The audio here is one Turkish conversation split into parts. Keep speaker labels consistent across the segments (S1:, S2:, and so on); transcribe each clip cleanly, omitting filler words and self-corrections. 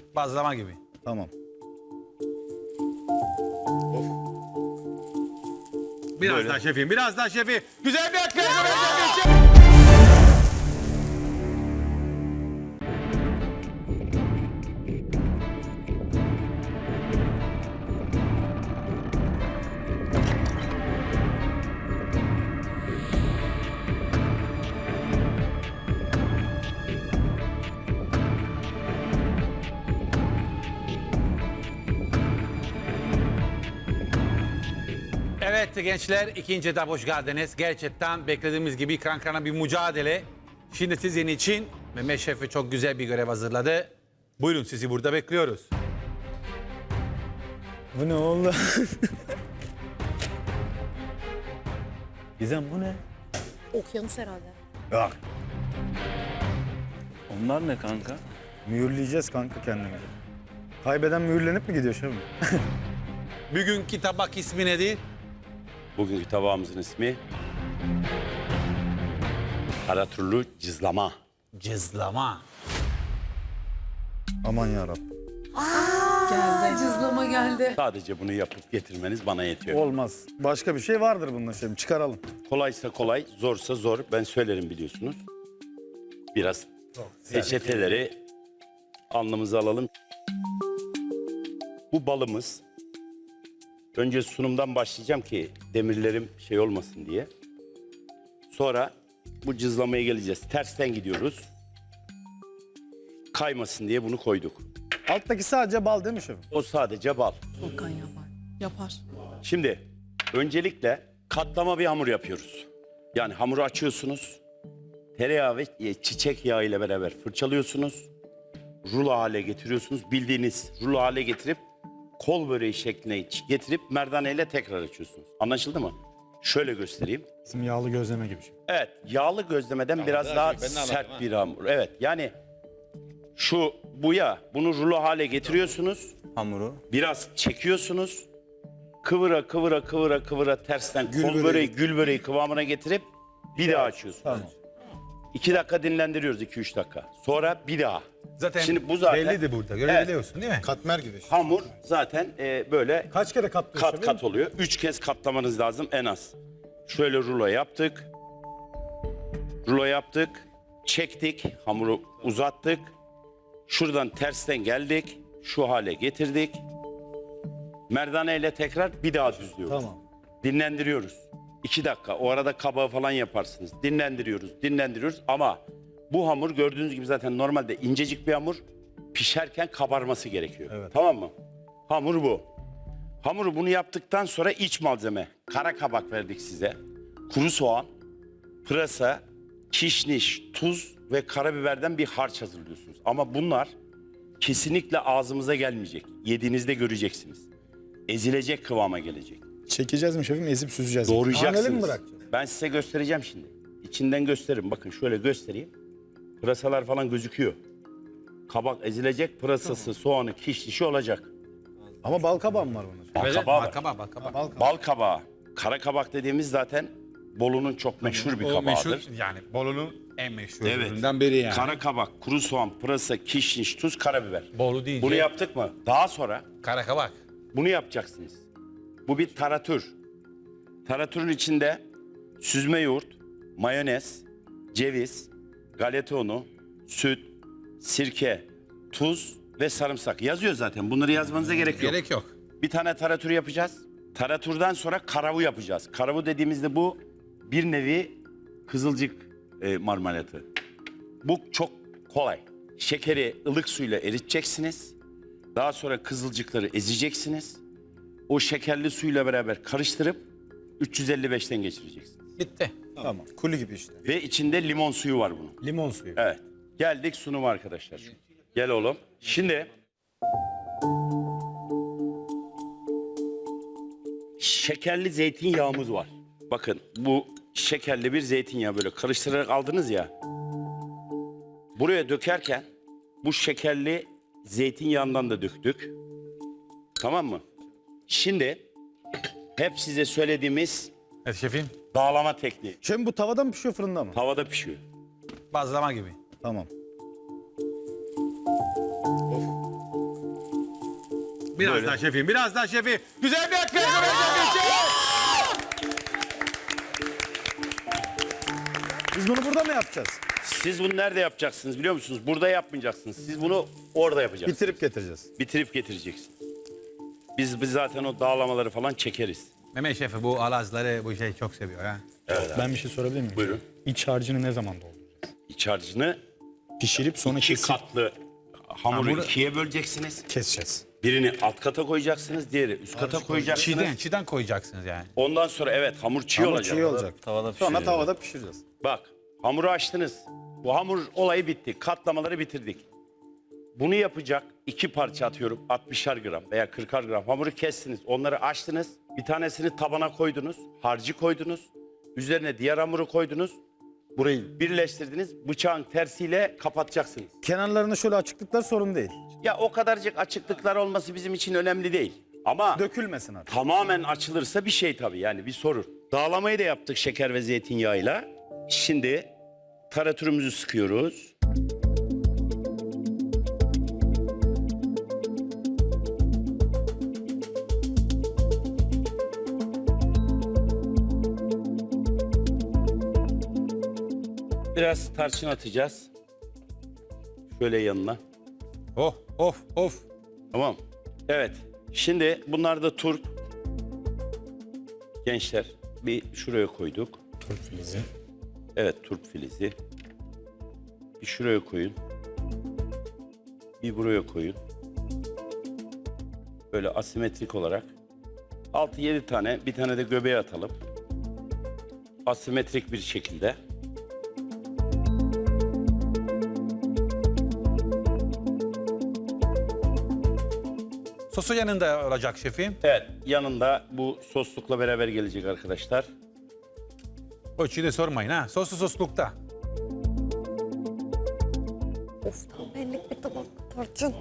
S1: Bazlama gibi.
S2: Tamam.
S1: Biraz
S3: Böyle.
S1: daha şefim, biraz daha şefim. Güzel bir atlet. Evet gençler, ikinci etap hoş geldiniz. Gerçekten beklediğimiz gibi kankana bir mücadele. Şimdi sizin için Mehmet Şef'e çok güzel bir görev hazırladı. Buyurun, sizi burada bekliyoruz.
S2: Bu ne oldu? Gizem bu ne?
S4: Okyanus herhalde.
S2: Yok.
S3: Onlar ne kanka?
S2: Mühürleyeceğiz kanka kendimizi. Kaybeden mühürlenip mi gidiyor şefim?
S1: Bugünkü tabak ismi nedir?
S3: Bugünkü tabağımızın ismi Karaturlu cızlama.
S1: Cızlama.
S2: Aman yarabbim.
S4: Geldi. Cızlama geldi.
S3: Sadece bunu yapıp getirmeniz bana yetiyor.
S2: Olmaz. Başka bir şey vardır bunda şefim. Çıkaralım.
S3: Kolaysa kolay, zorsa zor. Ben söylerim biliyorsunuz. Biraz peçeteleri alnımıza alalım. Bu balımız. Önce sunumdan başlayacağım ki demirlerim şey olmasın diye. Sonra bu cızlamaya geleceğiz. Tersten gidiyoruz. Kaymasın diye bunu koyduk.
S2: Alttaki sadece bal değil mi şefim?
S3: O sadece bal.
S4: Volkan yapar. Yapar.
S3: Şimdi öncelikle katlama bir hamur yapıyoruz. Yani hamuru açıyorsunuz. Tereyağı ve çiçek yağı ile beraber fırçalıyorsunuz. Rulo hale getiriyorsunuz. Bildiğiniz rulo hale getirip kol böreği şekline getirip merdane ile tekrar açıyorsunuz. Anlaşıldı mı? Şöyle göstereyim.
S2: Bizim yağlı gözleme gibi şey.
S3: Evet, yağlı gözlemeden biraz daha sert bir hamur. Evet, yani bu ya, bunu rulo hale getiriyorsunuz.
S2: Hamuru.
S3: Biraz çekiyorsunuz. Kıvıra kıvıra kıvıra kıvıra tersten kol böreği, gül böreği kıvamına getirip bir daha açıyorsunuz.
S2: Tamam.
S3: 2 dakika dinlendiriyoruz, 2-3 dakika. Sonra bir daha.
S1: Zaten
S3: Şimdi bu zaten
S1: bellidir burada. Görebiliyorsun değil mi?
S2: Katmer gibi.
S3: hamur zaten böyle
S2: Kaç kere katlıyor
S3: kat kat oluyor. 3 kez katlamanız lazım en az. Şöyle rulo yaptık. Rulo yaptık. Çektik. Hamuru uzattık. Şuradan tersten geldik. Şu hale getirdik. Merdane ile tekrar bir daha düzlüyoruz.
S2: Tamam.
S3: Dinlendiriyoruz. 2 dakika. O arada kabağı falan yaparsınız. Dinlendiriyoruz. Ama bu hamur gördüğünüz gibi zaten normalde incecik bir hamur. Pişerken kabarması gerekiyor.
S2: Evet.
S3: Tamam mı? Hamur bu. Hamuru bunu yaptıktan sonra iç malzeme. Kara kabak verdik size. Kuru soğan, pırasa, kişniş, tuz ve karabiberden bir harç hazırlıyorsunuz. Ama bunlar kesinlikle ağzımıza gelmeyecek. Yediğinizde göreceksiniz. Ezilecek kıvama gelecek.
S5: Çekeceğiz mi şefim? Ezip süzeceğiz.
S3: Doğrayacaksınız.
S2: Taneli mi bırakacağız?
S3: Ben size göstereceğim şimdi. İçinden gösteririm. Bakın şöyle göstereyim. Pırasalar falan gözüküyor. Kabak ezilecek, pırasası, soğanı, kişnişi olacak.
S2: Ama bal kabağı mı var bunun?
S3: Bal
S1: Evet,
S3: kabağı var.
S1: Balkaba, balkaba.
S2: Bal kabağı.
S3: Bal kabağı. Kara kabak dediğimiz zaten Bolu'nun çok meşhur bir
S1: O
S3: kabağıdır.
S1: meşhur, yani Bolu'nun en meşhur
S3: Evet.
S1: ürününden biri yani.
S3: Kara kabak, kuru soğan, pırasa, kişniş, tuz, karabiber.
S1: Bolu deyince
S3: Bunu yaptık mı? Daha sonra
S1: kara kabak.
S3: bunu yapacaksınız. Bu bir taratür. Taratürün içinde süzme yoğurt, mayonez, ceviz, galeta unu, süt, sirke, tuz ve sarımsak. Yazıyor zaten. Bunları yazmanıza gerek yok.
S1: Gerek yok.
S3: Bir tane taratür yapacağız. Taratürden sonra karavu yapacağız. Karavu dediğimizde bu bir nevi kızılcık marmelatı. Bu çok kolay. Şekeri ılık suyla eriteceksiniz. Daha sonra kızılcıkları ezeceksiniz. O şekerli suyla beraber karıştırıp 355'ten geçireceksiniz.
S1: Bitti.
S2: Tamam. Kuli gibi işte.
S3: Ve içinde limon suyu var bunun.
S2: Limon suyu.
S3: Evet. Geldik sunuma arkadaşlar. Gel oğlum. Şimdi şekerli zeytinyağımız var. Bakın bu şekerli bir zeytinyağı böyle karıştırarak aldınız ya. Buraya dökerken bu şekerli zeytinyağından da döktük. Tamam mı? Şimdi hep size söylediğimiz
S1: Evet şefim.
S3: dağlama tekniği.
S2: Şefim bu tavada mı pişiyor fırında mı?
S3: Tavada pişiyor.
S1: Bazlama gibi.
S2: Tamam.
S1: Biraz
S3: Böyle.
S1: daha şefim, biraz daha şefim. Güzel bir akıl.
S2: Biz bunu burada mı yapacağız?
S3: Siz bunu nerede yapacaksınız biliyor musunuz? Burada yapmayacaksınız. Siz bunu orada yapacaksınız.
S2: Bitirip getireceğiz.
S3: Bitirip getireceksin. Biz zaten o dağlamaları falan çekeriz.
S1: Mehmet Şefi bu alazları bu şey çok seviyor ha.
S5: Ben bir şey sorabilir miyim?
S3: Buyurun.
S5: İç harcını ne zaman dolduracağız?
S3: İç harcını
S5: Pişirip sonra
S3: iki
S5: kesip
S3: katlı hamuru
S1: Hamuru-
S3: ikiye böleceksiniz.
S5: keseceğiz.
S3: Birini alt kata koyacaksınız, diğeri üst kata koyacaksınız.
S1: Çiğden koyacaksınız yani.
S3: Ondan sonra evet hamur çiğ
S2: Hamur
S3: olacak.
S2: çiğ olacak. Sonra tavada pişireceğiz.
S3: Bak hamuru açtınız. Bu hamur olayı bitti. Katlamaları bitirdik. Bunu yapacak iki parça atıyorum 60'ar gram veya 40'ar gram hamuru kestiniz. Onları açtınız. Bir tanesini tabana koydunuz. Harcı koydunuz. Üzerine diğer hamuru koydunuz. Burayı birleştirdiniz. Bıçağın tersiyle kapatacaksınız.
S2: Kenarlarında şöyle açıklıklar sorun değil.
S3: Ya o kadarcık açıklıklar olması bizim için önemli değil. Ama
S2: Dökülmesin artık.
S3: tamamen açılırsa bir şey tabii yani bir sorun. Dağlamayı da yaptık şeker ve zeytinyağıyla. Şimdi taratürümüzü sıkıyoruz. Biraz tarçın atacağız. Şöyle yanına.
S1: Oh, of.
S3: Tamam. Evet. Şimdi bunlar da turp. Gençler bir şuraya koyduk.
S5: Turp filizi.
S3: Evet turp filizi. Bir şuraya koyun. Bir buraya koyun. Böyle asimetrik olarak. 6-7 tane, bir tane de göbeğe atalım. Asimetrik bir şekilde.
S1: Sosu yanında olacak şefim.
S3: Evet, yanında bu soslukla beraber gelecek arkadaşlar.
S1: Ölçüyü de sormayın ha. Soslu soslukta.
S4: Of tam benlik bir tabak tarçın.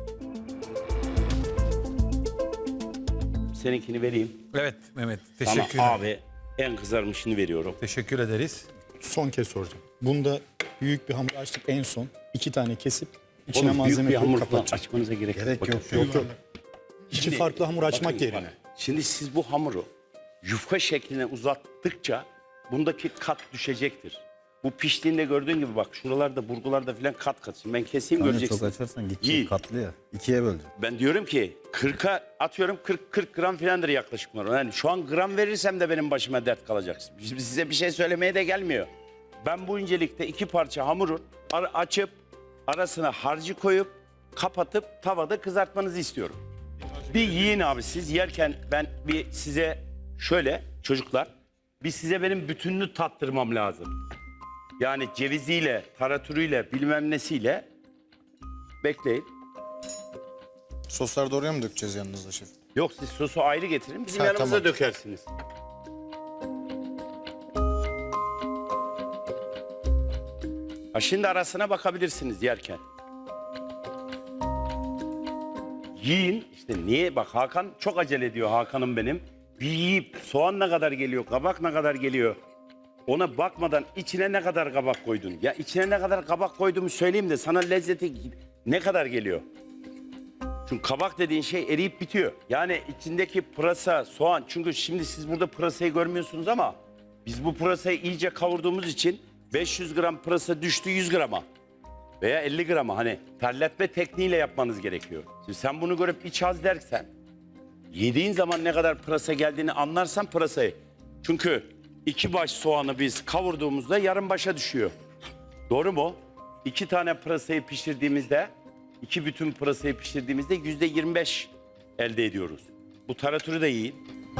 S3: Seninkini vereyim.
S1: Evet Mehmet.
S3: Ama
S1: Teşekkür ederim.
S3: abi en kızarmışını veriyorum.
S1: Teşekkür ederiz.
S5: Son kez soracağım. Bunda büyük bir hamur açtık en son. 2 tane kesip içine
S3: Oğlum, büyük
S5: malzeme
S3: bir
S5: koyup
S3: hamur falan
S5: kapatacağız.
S3: açmanıza gerek yok. Bakın.
S5: Yok yok. İki farklı hamur açmak
S3: Bakın,
S5: yerine.
S3: bak. Şimdi siz bu hamuru yufka şekline uzattıkça bundaki kat düşecektir. Bu piştiğinde gördüğün gibi bak şuralarda burgularda falan kat kat. Şimdi ben keseyim
S2: Çok
S3: göreceksin.
S2: açarsan
S3: Yiyin.
S2: gidecek katlı ya. İkiye bölecek.
S3: Ben diyorum ki 40'a atıyorum 40 gram falandır yaklaşık bunlar. Yani şu an gram verirsem de benim başıma dert kalacak. Şimdi size bir şey söylemeye de gelmiyor. Ben bu incelikte iki parça hamurun açıp arasına harcı koyup kapatıp tavada kızartmanızı istiyorum. Bir yiyin abi siz yerken ben bir size şöyle çocuklar bir size benim bütününü tattırmam lazım. Yani ceviziyle, taratürüyle bilmem nesiyle bekleyin.
S5: Sosları da oraya mı dökeceğiz yanınızda şef?
S3: Yok siz sosu ayrı getirin bizim
S5: Ha,
S3: yanımıza
S5: tamam.
S3: dökersiniz. Ha, şimdi arasına bakabilirsiniz yerken. Yiyin işte niye bak Hakan çok acele ediyor Hakan'ım benim. Bir yiyip soğan ne kadar geliyor, kabak ne kadar geliyor. Ona bakmadan içine ne kadar kabak koydun? Ya içine ne kadar kabak koyduğumu söyleyeyim de sana lezzeti ne kadar geliyor? Çünkü kabak dediğin şey eriyip bitiyor. Yani içindeki pırasa, soğan. Çünkü şimdi siz burada pırasayı görmüyorsunuz ama biz bu pırasayı iyice kavurduğumuz için 500 gram pırasa düştü 100 grama. Veya 50 grama hani terletme tekniğiyle yapmanız gerekiyor. Şimdi sen bunu görüp iç az dersen yediğin zaman ne kadar pırasa geldiğini anlarsan pırasayı. Çünkü 2 baş soğanı biz kavurduğumuzda yarım başa düşüyor. Doğru mu? 2 tane pırasayı pişirdiğimizde, 2 bütün pırasayı pişirdiğimizde %25 elde ediyoruz. Bu taratürü de yiyin.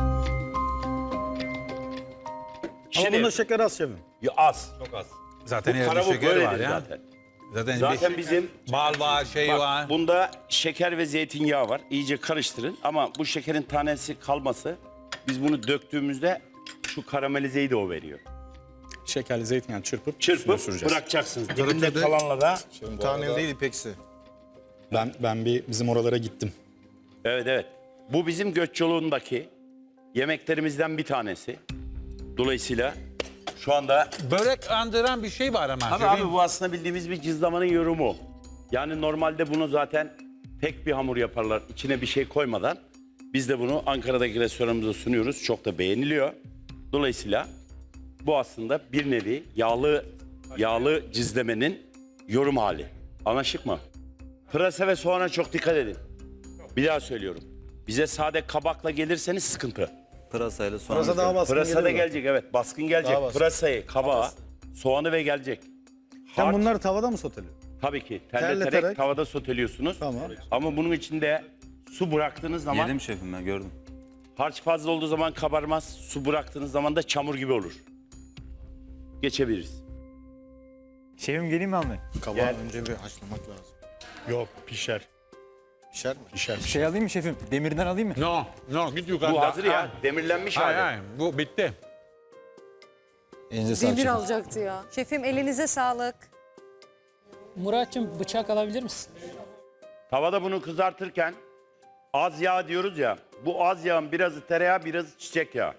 S2: Ama bunda şeker az şefim.
S3: Ya az. Çok az.
S1: Zaten
S3: Bu
S1: evde
S3: karavuk
S1: şeker var
S3: böyledir
S1: ya.
S3: zaten.
S1: Zaten,
S3: Zaten bizim
S1: bal var, şey
S3: bak,
S1: var.
S3: bunda şeker ve zeytinyağı var. İyice karıştırın ama bu şekerin tanesi kalması biz bunu döktüğümüzde şu karamelizeyi de o veriyor.
S5: Şekerli zeytinyağı çırpıp üstüne
S3: Çırpıp
S5: süreceğiz.
S3: bırakacaksınız. Dibinde kalanla da
S5: Tane değil ipeksi. Ben bir bizim oralara gittim.
S3: evet evet. Bu bizim göç yolundaki yemeklerimizden bir tanesi. Dolayısıyla şu anda
S1: Börek andıran bir şey var ama.
S3: abi bu aslında bildiğimiz bir cızlamanın yorumu. Yani normalde bunu zaten tek bir hamur yaparlar içine bir şey koymadan. Biz de bunu Ankara'daki restoranımıza sunuyoruz. Çok da beğeniliyor. Dolayısıyla bu aslında bir nevi yağlı cizlemenin yorum hali. Anlaşık mı? Pırasa ve soğana çok dikkat edin. Bir daha söylüyorum. Bize sade kabakla gelirseniz sıkıntı.
S6: Pırasayla soğan.
S2: Pırasa daha baskın
S3: Pırasa da
S2: geliyor.
S3: gelecek, evet. Baskın gelecek.
S2: Daha baskın.
S3: Pırasayı, kabağı, soğanı ve gelecek.
S2: Sen
S3: Harç,
S2: bunları tavada mı soteliyorsun?
S3: tabii ki terleterek
S2: terleterek.
S3: tavada soteliyorsunuz.
S2: Tamam.
S3: Ama bunun içinde su bıraktığınız zaman
S6: Yedim şefim, ben gördüm.
S3: harç fazla olduğu zaman kabarmaz. Su bıraktığınız zaman da çamur gibi olur. Geçebiliriz.
S7: Şefim geleyim mi almaya?
S5: Kabağı önce bir haşlamak lazım. Yok, pişer.
S2: Pişer mi?
S5: Pişer.
S7: Şey alayım mı şefim? Demirden alayım mı?
S1: No, git yukarıda.
S3: Bu hazır ya. Demirlenmiş
S1: Hayır,
S3: hali.
S1: hayır, bu bitti.
S5: Elinize sağlık
S4: Demir
S5: şefim.
S4: alacaktı ya. Şefim elinize sağlık.
S8: Murat'cığım bıçak alabilir misin?
S3: Tavada bunu kızartırken az yağ diyoruz ya. Bu az yağın birazı tereyağı, birazı çiçek yağı.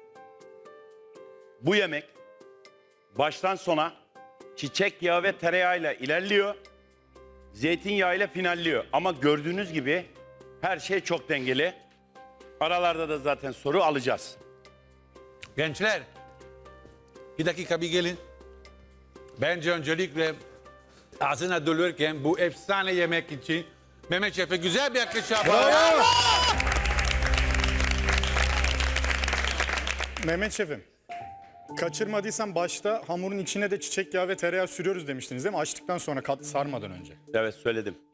S3: Bu yemek baştan sona çiçek yağı ve tereyağıyla ilerliyor. Zeytinyağıyla finalliyor. Ama gördüğünüz gibi her şey çok dengeli. Aralarda da zaten soru alacağız.
S1: Gençler, bir dakika bir gelin. Bence öncelikle ağzına dölürken bu efsane yemek için Mehmet Şef'e güzel bir alkış yapalım.
S5: Mehmet şefim, kaçırmadıysam başta hamurun içine de çiçek yağı ve tereyağı sürüyoruz demiştiniz değil mi? Açtıktan sonra sarmadan önce.
S3: Evet, söyledim.